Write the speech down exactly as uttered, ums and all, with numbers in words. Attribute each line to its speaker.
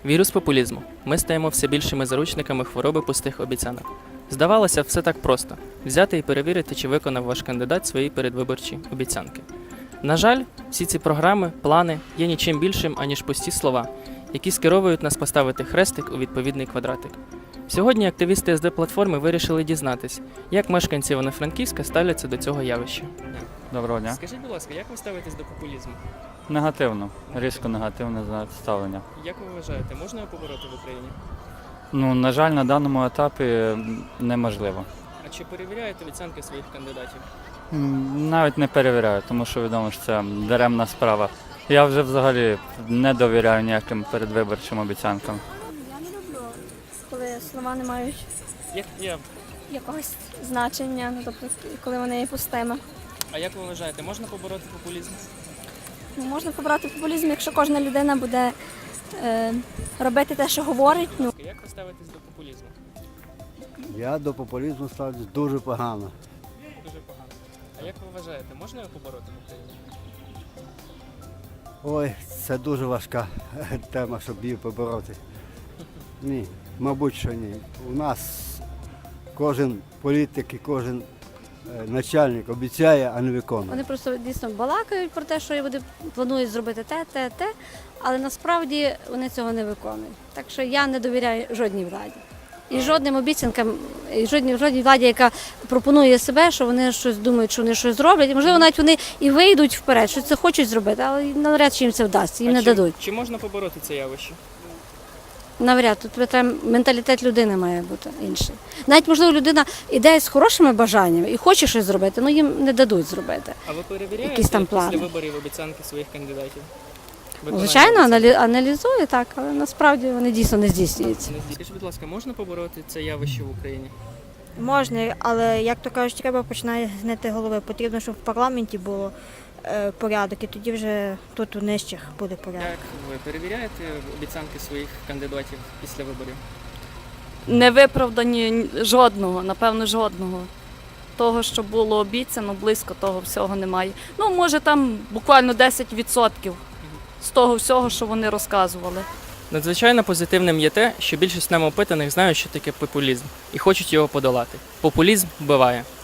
Speaker 1: Вірус популізму. Ми стаємо все більшими заручниками хвороби пустих обіцянок. Здавалося, все так просто – взяти і перевірити, чи виконав ваш кандидат свої передвиборчі обіцянки. На жаль, всі ці програми, плани є нічим більшим, аніж пусті слова, які скеровують нас поставити хрестик у відповідний квадратик. Сьогодні активісти ес де платформи вирішили дізнатись, як мешканці Івано-Франківська ставляться до цього явища.
Speaker 2: Доброго дня.
Speaker 1: Скажіть, будь ласка, як ви ставитесь до популізму?
Speaker 2: Негативно, різко негативне ставлення.
Speaker 1: Як ви вважаєте, можна його побороти в Україні?
Speaker 2: Ну, на жаль, на даному етапі неможливо.
Speaker 1: А чи перевіряєте обіцянки своїх кандидатів?
Speaker 2: М, Навіть не перевіряю, тому що відомо, що це даремна справа. Я вже взагалі не довіряю ніяким передвиборчим обіцянкам.
Speaker 3: Я не люблю, коли слова не мають
Speaker 1: Як, я...
Speaker 3: якогось значення, ну, тобто коли вони є пустими.
Speaker 1: А як ви вважаєте, можна побороти популізм?
Speaker 3: Ну, можна побрати популізм, якщо кожна людина буде е, робити те, що говорить. Ну.
Speaker 1: Як ви ставитесь до популізму?
Speaker 4: Я до популізму ставлюсь дуже погано.
Speaker 1: Дуже погано. А як ви вважаєте, можна його побороти в Україні?
Speaker 4: Ой, це дуже важка тема, щоб її побороти. Ні, мабуть, що ні. У нас кожен політик і кожен е, начальник обіцяє, а не виконує.
Speaker 5: Вони просто дійсно балакають про те, що вони планують зробити те, те, те, але насправді вони цього не виконують. Так що я не довіряю жодній владі. І жодним обіцянкам, і жодній, жодній владі, яка пропонує себе, що вони щось думають, що вони щось зроблять. І, можливо, навіть вони і вийдуть вперед, що це хочуть зробити, але навряд чи їм це вдасться, їм
Speaker 1: А
Speaker 5: не
Speaker 1: чи,
Speaker 5: дадуть.
Speaker 1: Чи можна побороти це явище?
Speaker 5: Навряд, тут треба, менталітет людини має бути інший. Навіть, можливо, людина іде з хорошими бажаннями і хоче щось зробити, але їм не дадуть зробити.
Speaker 1: А ви перевіряєте
Speaker 5: Якісь там
Speaker 1: після
Speaker 5: плани.
Speaker 1: виборів обіцянки своїх кандидатів? Виконання
Speaker 5: Звичайно,
Speaker 1: обіцянок?
Speaker 5: аналі- аналізує так, але насправді вони дійсно не здійснюються.
Speaker 1: Скажіть, будь ласка, можна побороти це явище в Україні?
Speaker 6: Можна, але, як то кажуть, треба починати з гнити голови. Потрібно, щоб в парламенті було е, порядок, і тоді вже тут у нижчих буде порядок.
Speaker 1: Як ви перевіряєте обіцянки своїх кандидатів після виборів?
Speaker 7: Не виправдані жодного, напевно, жодного. Того, що було обіцяно, близько того всього немає. Ну, може, там буквально десять відсотків з того всього, що вони розказували.
Speaker 1: Надзвичайно позитивним є те, що більшість нами опитаних знають, що таке популізм, і хочуть його подолати. Популізм вбиває.